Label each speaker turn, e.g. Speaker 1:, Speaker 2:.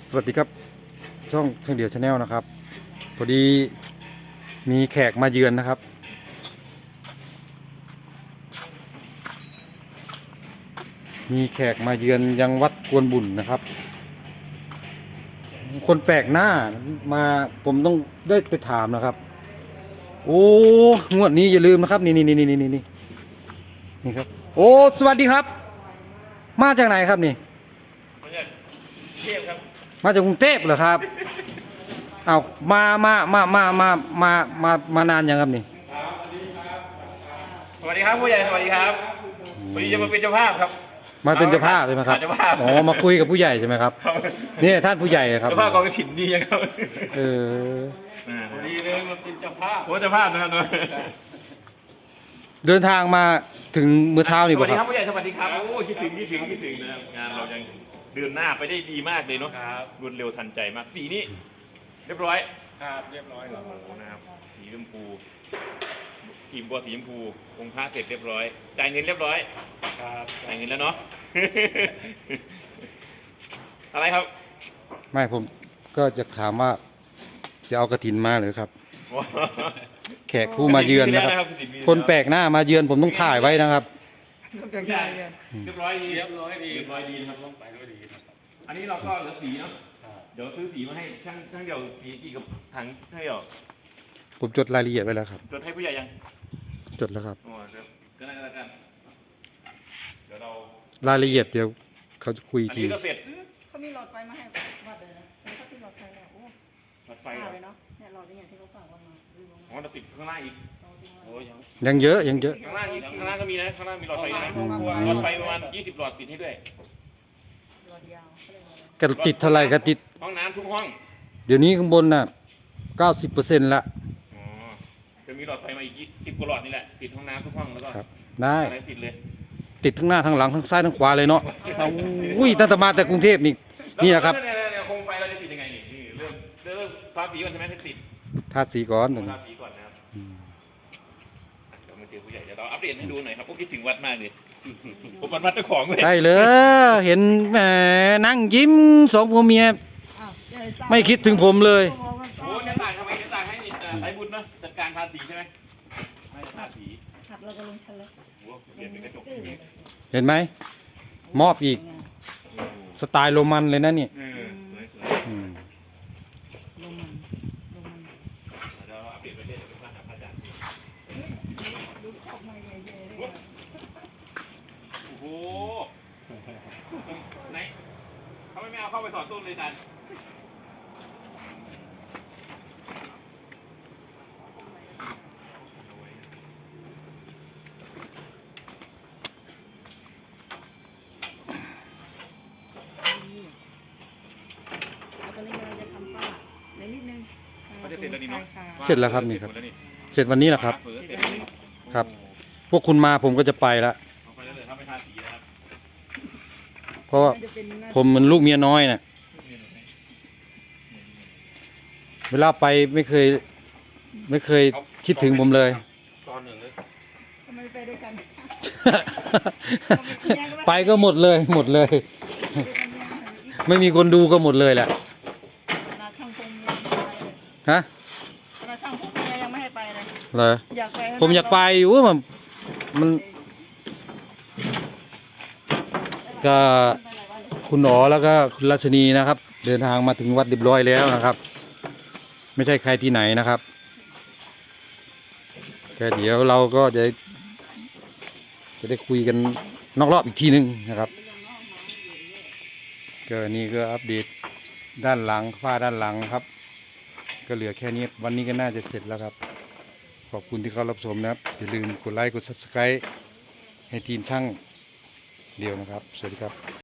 Speaker 1: สวัสดีครับช่องเดียวชาแนลนะครับพอดีมีแขกมาเยือนนะครับมีแขกมาเยือนยังวัดกวนบุญนะครับคนแปลกหน้ามาผมต้องได้ไปถามนะครับโอ้งวดนี้อย่าลืมนะครับนี่ครับโอ้สวัสดีครับมาจากไหนครับนี่
Speaker 2: มาจากเทพครับ
Speaker 1: มาจากกรุงเทพเหรอครับเอามานานยังครับนี่
Speaker 2: สวัสดีครับผู้ใหญ่สวัสดีครับวันนี้จะมาเป็นเจ้าภาพครับ
Speaker 1: มาเป็นเจ้าภาพใช่ไหมครับ
Speaker 2: เจ้าภาพ
Speaker 1: อ๋อมาคุยกับผู้ใหญ่ใช่ไหมครับนี่ท่านผู้ใหญ่ครับ
Speaker 2: เจ้าภาพกองกฐินดีครับ
Speaker 3: ดีเลยมาเป็นเจ้าภาพ
Speaker 2: โอ้เจ้าภาพนะครับ
Speaker 1: เดินทางมาถึงเมื่อเช้านี่
Speaker 2: สวัสดีครับผู้ใหญ่สวัสดีครับโอ้คิดถึงนะครับงานเรายังเดินหน้าไปได้ดีมากเลยเนาะรวดเร็วทันใจมากสีนี้เรียบร้อย
Speaker 3: ครับเรียบร้อยครับ
Speaker 2: นะครับสีชมพูทีมบัวสีชมพูองค์พระเสร็จเรียบร้อยจ่ายเงินเรียบร้อย
Speaker 3: ครับ
Speaker 2: จ่ายเงินแล้วเนาะ อะไรครับ
Speaker 1: ไม่ผมก็จะถามว่าจะเอากฐินมาหรือครับแขกผู้มาเยือนนะครับคนแปลกหน้ามาเยือนผมต้องถ่ายไว้นะครับ
Speaker 2: เรียบร้อยดี
Speaker 3: ครับต้องไปด้วยดีครับ
Speaker 2: อันนี้เราก็เหลือสีเนาะเดี๋ยวซื้อสีมาให้ช่างเดี่ยวสีกี่กับถังช่างเดี่ยว
Speaker 1: ผมจดรายละเอียดไว้แล้วครับ
Speaker 2: จดให้ผู้ใหญ่ยัง
Speaker 1: จดแล้วครับ
Speaker 2: ก็ได้แล้วกันเดี๋ยวเรา
Speaker 1: รายละเอียดเดี๋ยวเขาจะคุยที
Speaker 2: อันนี้ก็เสร็จ
Speaker 4: เขามีหลอดไฟมาให้วัดเลยนะเขาติดหลอดไฟแล้วโอ้
Speaker 2: หลอดไฟ
Speaker 4: เลยเนาะเนี่ยหลอดอย่างที่เขาฝากวันมา
Speaker 2: อ๋อเราติดข้างล่างอีกโอ้
Speaker 1: ยังเยอะ
Speaker 2: ข้างล่างอีกข้างล่างก็มีนะข้างล่างมีหลอดไฟนะหลอดไฟประมาณ20หลอดติดให้ด้วย
Speaker 4: หลอดยาว
Speaker 1: กระติดเท่าไรกระติด
Speaker 2: ห้องน้ำทุกห้อง
Speaker 1: เดี๋ยวนี้ข้างบนน่ะ90%ละ
Speaker 2: อ๋อจะมีหลอดไฟมาอีก10กว่าหลอดนี่แหละติดห้องน้ำทุกห้องแล้วก็
Speaker 1: ได้
Speaker 2: ติดเลย
Speaker 1: ติดทั้งหน้าทั้งหลังทั้งซ้ายทั้งขวาเลยเนาะอุ้ยตั้งแต่มาแต่กรุงเทพนี่นะครับ
Speaker 2: โคมไฟเราจะติดยังไงนี่เริ่มทาสีก่อนใช่ไหมติด
Speaker 1: ทาสีก่อน
Speaker 2: ทาสีก่อนนะครับเดี๋ยวมาเจอผู้ใหญ่เดี๋ยวเราอัปเดตให้ดูหน่อยครับพวกคิดถึงวัดมากเลยผมวัดเจ้าของเลย
Speaker 1: ใช่เลยเห็นแหมนั่งยิ้มสองผัวเมียไม่คิดถึงผมเลย
Speaker 2: โอ้เนี่ยต่างทำไมเนี่ยต่างให้สายบุญนะจัดการทาสีใช่ไหมไม่ทาสี
Speaker 4: ขับเราก็ลงชั้นแล้ว
Speaker 1: เห็นไหมมอบอีกสไตล์โรมันเลยนะเนี่ย
Speaker 2: โอ้โหไหนเขาไม่เอาเข้าไปสอนต้นเลยจัน
Speaker 1: เสร็จแล้วครับนี่ครับเสร็จวันนี้แหละครับครับพวกคุณมาผมก็จะไปแล้วเพราะผมเหมือนลูกเมียน้อยน่ะเวลาไปไม่เคยคิดถึงผมเลย
Speaker 4: ทำไมไปด้วยกัน
Speaker 1: ไปก็หมดเลยไม่มีคนดูก็หมดเลยแหละฮะ
Speaker 4: ช่างพงยังไม่ให้ไปเลย
Speaker 1: เหรอผมอยากไปอยู่มันก็คุณหนอแล้วก็คุณรัชนีนะครับเดินทางมาถึงวัดเรียบร้อยแล้วนะครับไม่ใช่ใครที่ไหนนะครับแต่เดี๋ยวเราก็จะได้คุยกันนอกรอบอีกทีนึงนะครับก็นี่ก็อัปเดตด้านหลังฝ้าด้านหลังครับก็เหลือแค่นี้วันนี้ก็น่าจะเสร็จแล้วครับขอบคุณที่เข้ารับชมนะครับอย่าลืมกดไลค์กด Subscribe ให้ทีมช่างเดียวนะครับสวัสดีครับ